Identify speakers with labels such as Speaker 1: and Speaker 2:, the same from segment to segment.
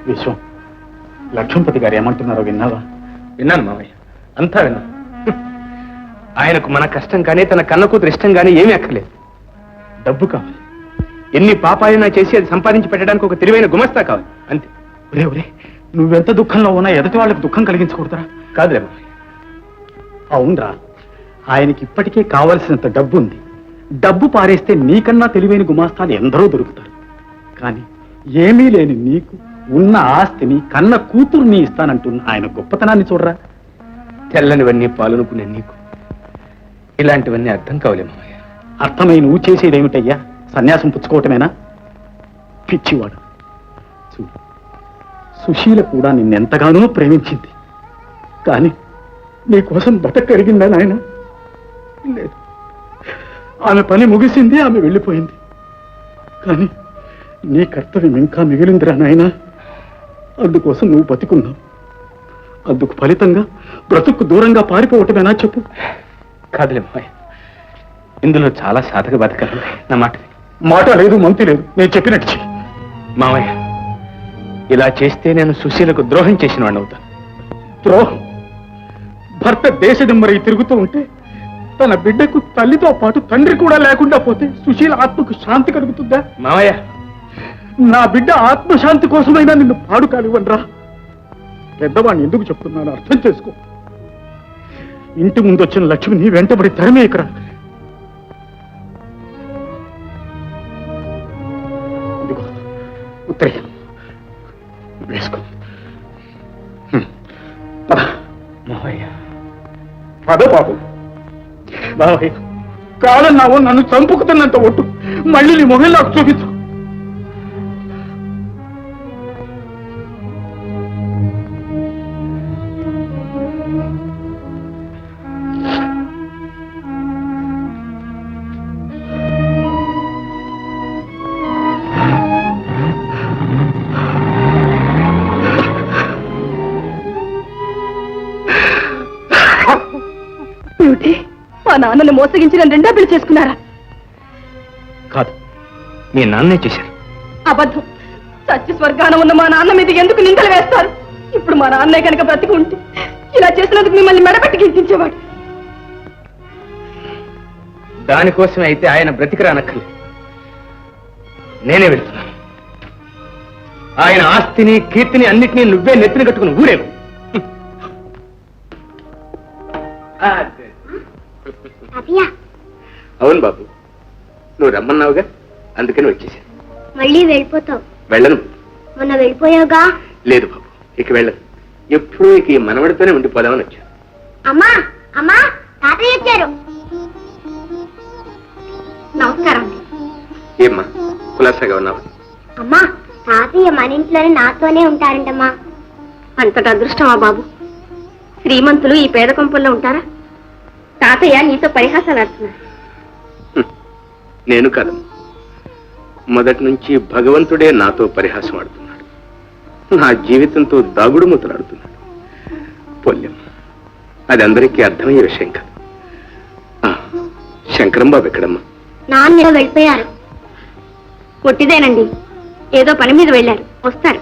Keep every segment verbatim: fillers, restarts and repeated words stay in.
Speaker 1: విశ్వం, లక్ష్మణపతి గారు ఏమంటున్నారో విన్నావా?
Speaker 2: విన్నాను మావయ్య, అంతా విన్నాను. ఆయనకు మన కష్టం కానీ తన కన్న కూతురు ఇష్టం కానీ ఏమీ అక్కర్లేదు.
Speaker 1: డబ్బు కావాలి.
Speaker 2: ఎన్ని పాపాలైనా చేసి అది సంపాదించి పెట్టడానికి ఒక తెలివైన గుమస్తా కావాలి, అంతే.
Speaker 1: ఒరే ఒరే, నువ్వెంత దుఃఖంలో ఉన్నా ఎదుటి వాళ్ళకి దుఃఖం కలిగించకూడదురా.
Speaker 2: కాదులే మావయ్య.
Speaker 1: అవునరా, ఆయనకి ఇప్పటికే కావలసినంత డబ్బు ఉంది. డబ్బు పారేస్తే నీకన్నా తెలివైన గుమాస్తాలు ఎందరో దొరుకుతారు. కానీ ఏమీ లేని నీకు ఉన్న ఆస్తిని కన్న కూతుర్ని ఇస్తానంటున్న ఆయన గొప్పతనాన్ని చూడరా.
Speaker 2: తెల్లనివన్నీ పాలనుకునే నీకు ఇలాంటివన్నీ అర్థం కావలే మావయ్య.
Speaker 1: అర్థమై నువ్వు చేసేదేమిటయ్యా? సన్యాసం పుచ్చుకోవటమేనా? పిచ్చివాడు. చూడు, సుశీల కూడా నిన్నెంతగానో ప్రేమించింది. కానీ నీకోసం బతకరిగిందా నాయన? లేదు. ఆమె పని ముగిసింది, ఆమె వెళ్ళిపోయింది. కానీ నీ కర్తవ్యం ఇంకా మిగిలిందిరా నాయన. అందుకోసం నువ్వు బతికున్నావు. అందుకు ఫలితంగా బ్రతుకు దూరంగా పారిపోవటమేనా చెప్పు?
Speaker 2: కాదులే మావయ్య, ఇందులో చాలా సాధక బతకాలి. నా మాట
Speaker 1: మాట లేదు, మంతి లేదు. నేను చెప్పినట్టు చెయ్యి.
Speaker 2: మావయ్య, ఇలా చేస్తే నేను సుశీలకు ద్రోహం చేసిన వాడిని అవుతాను.
Speaker 1: ద్రోహం? భర్త దేశదిమ్మరై తిరుగుతూ ఉంటే తన బిడ్డకు తల్లితో పాటు తండ్రి కూడా లేకుండా పోతే సుశీల ఆత్మకు శాంతి కలుగుతుందా?
Speaker 2: మావయ్య,
Speaker 1: నా బిడ్డ ఆత్మశాంతి కోసమైనా నిన్ను పాడు కానివ్వనరా. పెద్దవాడిని ఎందుకు చెప్తున్నాను అర్థం చేసుకో. ఇంటి ముందు వచ్చిన లక్ష్మిని వెంటబడి తరిమేయకరా. ఇదిగో ఉత్తరీయం వేసుకో.
Speaker 2: మావయ్య,
Speaker 1: పద బాబు. బాబాయ్, కాదన్నావు, నన్ను చంపుకుతున్నంత ఒట్టు మళ్ళీ నీ మొహం నాకు చూపించు.
Speaker 3: మా నాన్నను మోసగించిన రెండో పెళ్లి చేసుకున్నారా?
Speaker 2: కాదు, మీ నాన్నే చేశారు.
Speaker 3: అబద్ధం. సత్య స్వర్గాన ఉన్న మా నాన్న మీద ఎందుకు నిందలు వేస్తారు? ఇప్పుడు మా నాన్నే కనుక బ్రతికి ఉంటే ఇలా చేసినందుకు మిమ్మల్ని మెడపెట్టి గింతించేవాడు.
Speaker 2: దానికోసం అయితే ఆయన బ్రతికిరానక్కర్లేదు. నేనే వెళ్తున్నాను. ఆయన ఆస్తిని కీర్తిని అన్నిటినీ నువ్వే నెత్తిన కట్టుకుని ఊరేవు. అవును బాబు, నువ్వు రమ్మన్నావుగా, అందుకని వచ్చేసాను.
Speaker 4: మళ్ళీ వెళ్ళిపోతావు?
Speaker 2: వెళ్ళను.
Speaker 4: మొన్న వెళ్ళిపోయావుగా?
Speaker 2: లేదు బాబు, ఇక వెళ్ళను. ఎప్పుడూ ఇక ఈ మనవడితోనే ఉండిపోదామని వచ్చాను.
Speaker 4: అమ్మా అమ్మా, తాతయ్య వచ్చారు. నమస్కారం.
Speaker 2: ఏమ్మా, కులాసాగా ఉన్నావా?
Speaker 4: అమ్మా, తాతయ్య మన ఇంట్లోనే నాతోనే ఉంటారంటమ్మా.
Speaker 3: అంతటి అదృష్టమా బాబు? శ్రీమంతులు ఈ పేద కొంపల్లో ఉంటారా? తాతయ్య నీతో పరిహాసాలు ఆడుతున్నారు.
Speaker 2: నేను కాదు, మొదటి నుంచి భగవంతుడే నాతో పరిహాసం ఆడుతున్నాడు. నా జీవితంతో దాగుడు మూతలాడుతున్నాడు. పొల్యం, అది అందరికీ అర్థమయ్యే విషయం కాదు. శంకరం బాబు ఎక్కడమ్మా?
Speaker 4: నాన్న వెళ్ళిపోయారు.
Speaker 3: కొట్టిదేనండి, ఏదో పని మీద వెళ్ళారు, వస్తారు.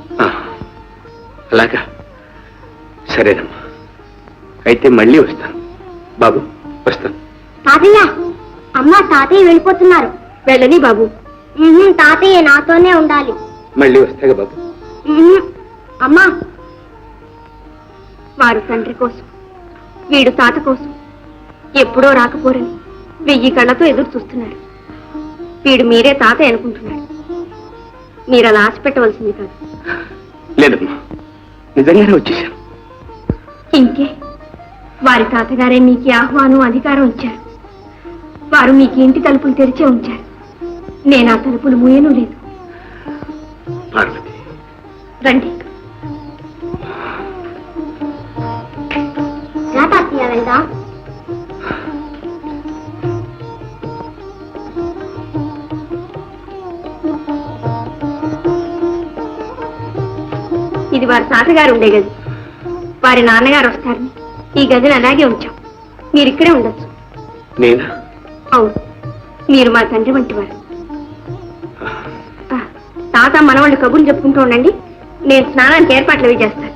Speaker 2: అలాగా, సరేనమ్మా, అయితే మళ్ళీ వస్తాను. బాబు, వస్తాను.
Speaker 4: తాతయ్య, అమ్మ తాతయ్య వెళ్ళిపోతున్నారు.
Speaker 3: వెళ్ళని బాబు.
Speaker 4: తాతయ్య నాతోనే ఉండాలి.
Speaker 2: మళ్ళీ వస్తాగా బాబు.
Speaker 4: అమ్మా,
Speaker 3: వారు తండ్రి కోసం, వీడు తాత కోసం ఎప్పుడో రాకపోరని వెయ్యి కళ్ళతో ఎదురు చూస్తున్నాడు. వీడు మీరే తాతయ్య అనుకుంటున్నాడు. మీరు అలా ఆశ పెట్టవలసింది కాదు.
Speaker 2: లేదమ్మా, నిజంగానే వచ్చేసాను.
Speaker 3: ఇంకే, వారి తాతగారే మీకు ఆహ్వానం అధికారం ఇచ్చారు. వారు మీకు ఇంటి తలుపులు తెరిచే ఉంచారు. నేను ఆ తలుపులు మూయను లేదు.
Speaker 2: పార్వతి,
Speaker 3: రండి.
Speaker 4: తాతయ్య వెళ్దాం.
Speaker 3: ఇది వారి తాతగారు ఉండే గది. వారి నాన్నగారు వస్తారని ఈ గదిని అలాగే ఉంచాం. మీరు ఇక్కడే ఉండొచ్చు.
Speaker 2: నేనా?
Speaker 3: అవును, మీరు మా తండ్రి వంటి వారు. తాత మనవాళ్ళు కబుర్లు చెప్పుకుంటూ ఉండండి, నేను స్నానానికి ఏర్పాట్లు అవి చేస్తాను